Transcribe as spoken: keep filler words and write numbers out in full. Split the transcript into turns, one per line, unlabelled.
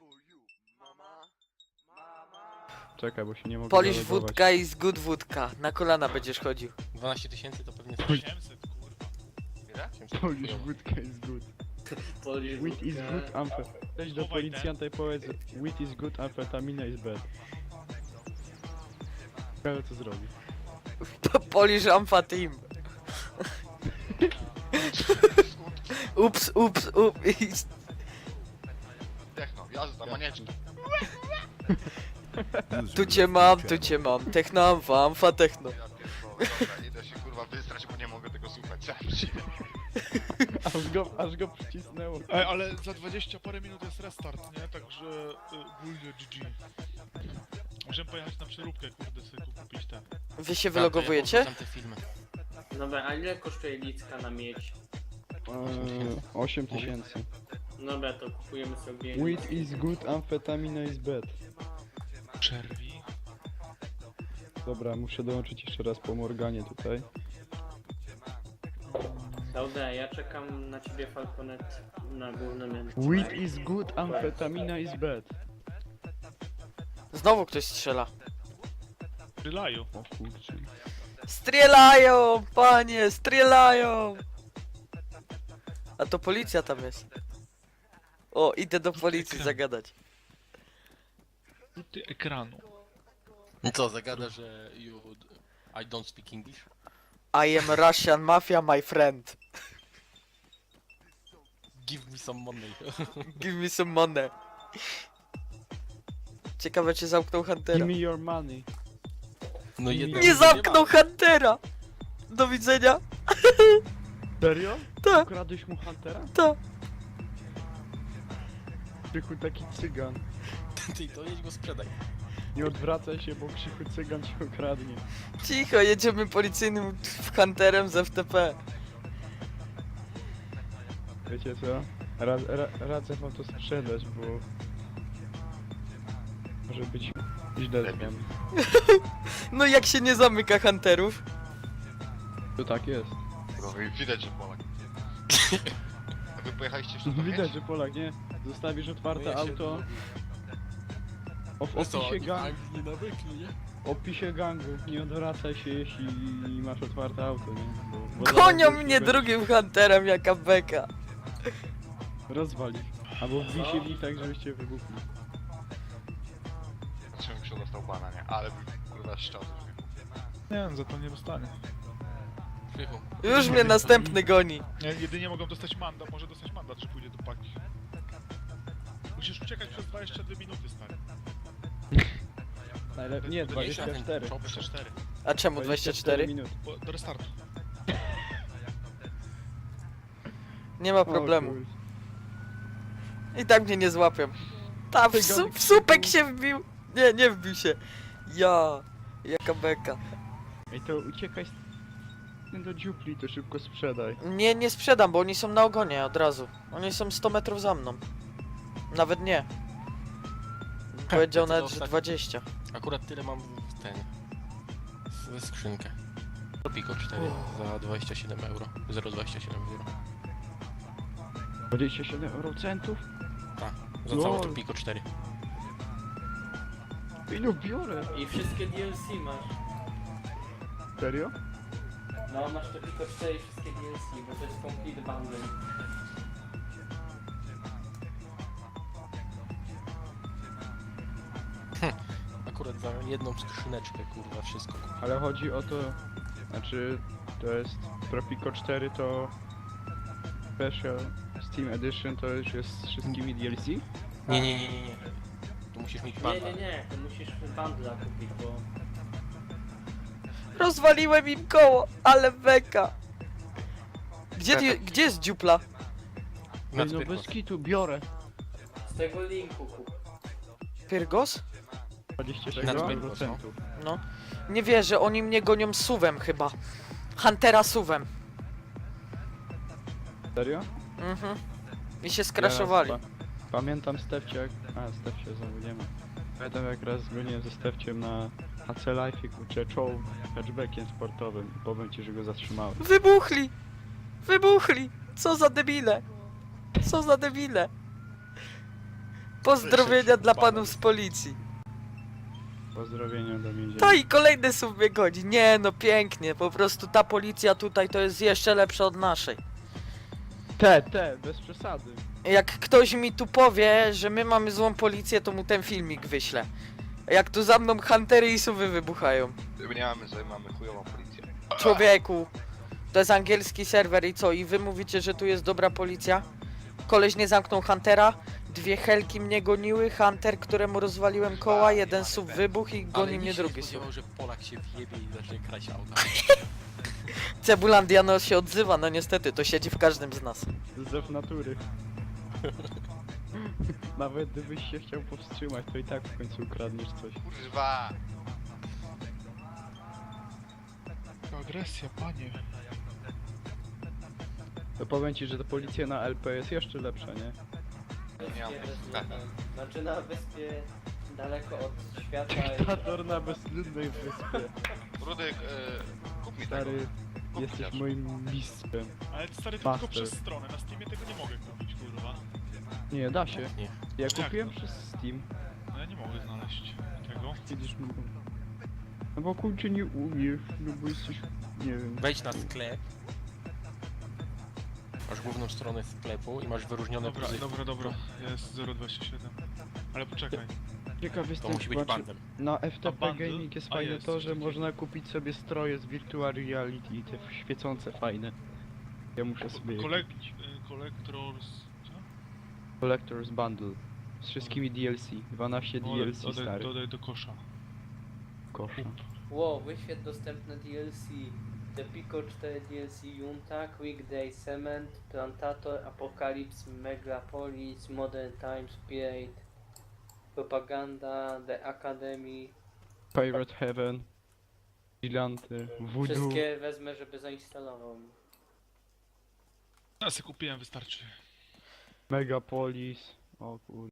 Czekaj, bo się nie mogę
Polish
zalogować.
wódka is good wódka. Na kolana będziesz chodził.
dwanaście tysięcy to pewnie
osiemset, kurwa.
Ile?
Polish wódka is good.
Polish
Wheat is
wódka.
good, amfe... Weź do
Chowaj
policjanta i powiedz wheat is good, amfetamina is bad. Ale co zrobi?
Polish Amfa Team. Ups, ups, ups.
Techno, jazda, manieczki.
Tu cię mam, tu cię mam. Techno Amfa, Amfa Techno.
Ja pierdolę, dobra, idę się kurwa wystrać, bo nie mogę tego słuchać. Sam siebie.
Aż go, aż go przycisnęło.
Ej, ale za dwadzieścia parę minut jest restart, nie? Także y, ogólnie G G. Możemy pojechać na przeróbkę, kurde, sobie kupić ten.
Wy się wylogowujecie?
Tam te filmy.
Dobra, a ile kosztuje licka na miedź?
Eee, osiem tysięcy.
Dobra, to kupujemy sobie...
Wheat is good, amfetamina is bad.
Przerwi.
Dobra, muszę dołączyć jeszcze raz po Morganie tutaj.
Dobra, ja czekam na ciebie Falconet na głównym rynku.
Wheat is good, amfetamina is bad.
Znowu ktoś strzela.
Strzelają.
O kurczę.
Strzelają, panie, strzelają. A to policja tam jest. O, idę do policji
Ekran.
zagadać.
Rzuty ekranu.
I co, zagada, że you... I don't speak English?
I am Russian mafia, my friend.
Give me some money.
Give me some money. Ciekawe, czy zamknął Huntera.
Give me your money.
No jedno
Nie zamknął Huntera! Do widzenia.
Serio?
Tak,
Ukradłeś mu Huntera?
tak.
Krzychu taki cygan.
Ty, to jedź go sprzedaj.
Nie odwracaj się, bo Krzychu cygan cię okradnie.
Cicho, jedziemy policyjnym w Hunterem z F T P.
Wiecie co? Ra, ra, radzę wam to sprzedać, bo... Może być źle z wami.
No jak się nie zamyka Hunterów?
To tak jest.
Kurwa, widać, że Polak. A wy pojechaliście jeszcze do
No widać,
Miedzi?
że Polak, nie? Zostawisz otwarte
No ja się-
auto, o, w
No co,
opisie,
oni
gang,
Anglii nawykli, nie?
opisie gangu, nie odwracaj się, jeśli masz otwarte auto, nie? Bo, bo
Gonią
zaraz
mnie
będziesz
drugim Hunterem, jaka beka.
Rozwalić. Albo wbij się w nich tak, żebyście wybuchli.
Czym się dostał bana, nie? Ale by kurwa szczał ze śmiechu.
Nie, no za to nie dostanie.
Krzychu.
Już mnie następny goni.
Nie, jedynie mogą dostać mandat, może dostać mandat, że pójdzie do paki. Musisz uciekać przez dwadzieścia dwie minuty, stary.
Najlepiej, nie, dwadzieścia cztery.
dwadzieścia cztery.
A czemu dwadzieścia cztery?
minut.
Bo, do restartu.
Nie ma
O
problemu.
kurczę.
I tak mnie nie złapią. Ta w, su w słupek się wbił. Nie, nie wbił się. Ja, jaka beka.
Ej, to uciekaj z... do dziupli, to szybko sprzedaj.
Nie, nie sprzedam, bo oni są na ogonie od razu. Oni są sto metrów za mną. Nawet nie. Powiedział
to
nawet, że
ostatnio.
dwadzieścia.
Akurat tyle mam w ten... w skrzynkę. To Pico cztery za dwadzieścia siedem euro. zero przecinek dwadzieścia siedem euro.
dwadzieścia siedem eurocentów?
Tak, za
Lol.
całe to Pico cztery.
Ilu biorę?
I wszystkie D L C masz.
Serio?
No, masz to tylko cztery wszystkie D L C, bo to jest complete bundle.
Akurat za jedną skrzyneczkę, kurwa, wszystko kupię.
Ale chodzi o to... Znaczy... To jest... Tropico cztery to... Special Steam Edition to już jest z wszystkimi D L C?
Nie, nie, nie, nie, nie. Tu musisz mieć
Nie,
banda.
nie, nie, to musisz bundla kupić, bo...
Rozwaliłem im koło, ale beka. Gdzie, ty, gdzie jest dziupla?
Na
Ej, no
Pyrkos.
bez kitu, biorę.
Z tego linku kup.
Pyrgos?
dwadzieścia
Na
sześć
Pyrkos,
eurocentów.
No. Nie wierzę, oni mnie gonią suwem chyba. Huntera suwem.
Serio?
Mhm. I się skraszowali.
Ja raz pa- Pamiętam Stefcie jak... A, Stefcie znowu nie ma. Pamiętam jak raz zgoniłem ze Stefciem na H C Life i kurczę czołg hatchbackiem sportowym. Powiem ci, że go zatrzymałem.
Wybuchli! Wybuchli! Co za debile! Co za debile! Pozdrowienia dla panów z policji.
Pozdrowienia do więzienia.
To i kolejny sub mnie godzi. Nie no, pięknie. Po prostu ta policja tutaj to jest jeszcze lepsza od naszej.
Te, te, bez przesady.
Jak ktoś mi tu powie, że my mamy złą policję, to mu ten filmik wyślę. Jak tu za mną huntery i suwy wybuchają.
My nie mamy, że mamy chujową policję.
Człowieku, to jest angielski serwer i co? I wy mówicie, że tu jest dobra policja? Koleś nie zamknął Huntera, dwie helki mnie goniły, Hunter, któremu rozwaliłem koła, jeden sub wybuch i goni mnie drugi sub.
spodziewał, że Polak się wjebie i zacznie kraść auta.
Cebulandiano się odzywa, no niestety, to siedzi w każdym z nas.
Zew natury. Nawet gdybyś się chciał powstrzymać, to i tak w końcu ukradniesz coś.
Kurwa!
To agresja, panie.
To powiem ci, że ta policja na L P jest jeszcze lepsza, nie?
Nie mam
Wyspie, znaczy na wyspie daleko od świata i...
Dyktator na bezludnej wyspie.
Rudek, e, kup mi tego.
Stary,
Kup
jesteś
chociaż.
moim mistrzem.
Ale stary, to tylko
Master.
przez stronę. Na Steamie tego nie mogę kupić, kurwa.
Nie, da się.
Nie.
Ja
Jak
kupiłem
to?
przez Steam.
No ja nie mogę znaleźć tego.
Widzisz, no, no bo kurczę nie umiesz, no bo jesteś, nie wiem.
Wejdź na sklep. Masz główną stronę sklepu i masz wyróżnione
Dobra,
pozycje.
dobra, dobra. Jest zero dwadzieścia siedem. Ale poczekaj.
Ciekaw
To
jestem,
musi być
znaczy,
bandem.
na F T
A
P
bundle?
Gaming jest
A,
fajne
jest,
to,
coś
że
takiego.
można kupić sobie stroje z Virtual Reality i te świecące fajne. Ja muszę sobie je
Kolek...
kupić.
y, Collectors... Co?
Collector's Bundle. Z wszystkimi D L C. dwanaście
No,
D L C
dodaj,
stary.
dodaj do kosza.
Kosza.
Wow, wyświet dostępne D L C. The Pico cztery D L C Junta, Quick Day Cement, Plantator, Apocalypse, Megapolis, Modern Times, Pirate, Propaganda, The Academy.
Pirate Heaven. Giganty. Voodoo.
Wszystkie wezmę, żeby zainstalował.
Ja sobie kupiłem, wystarczy.
Megapolis. O kur...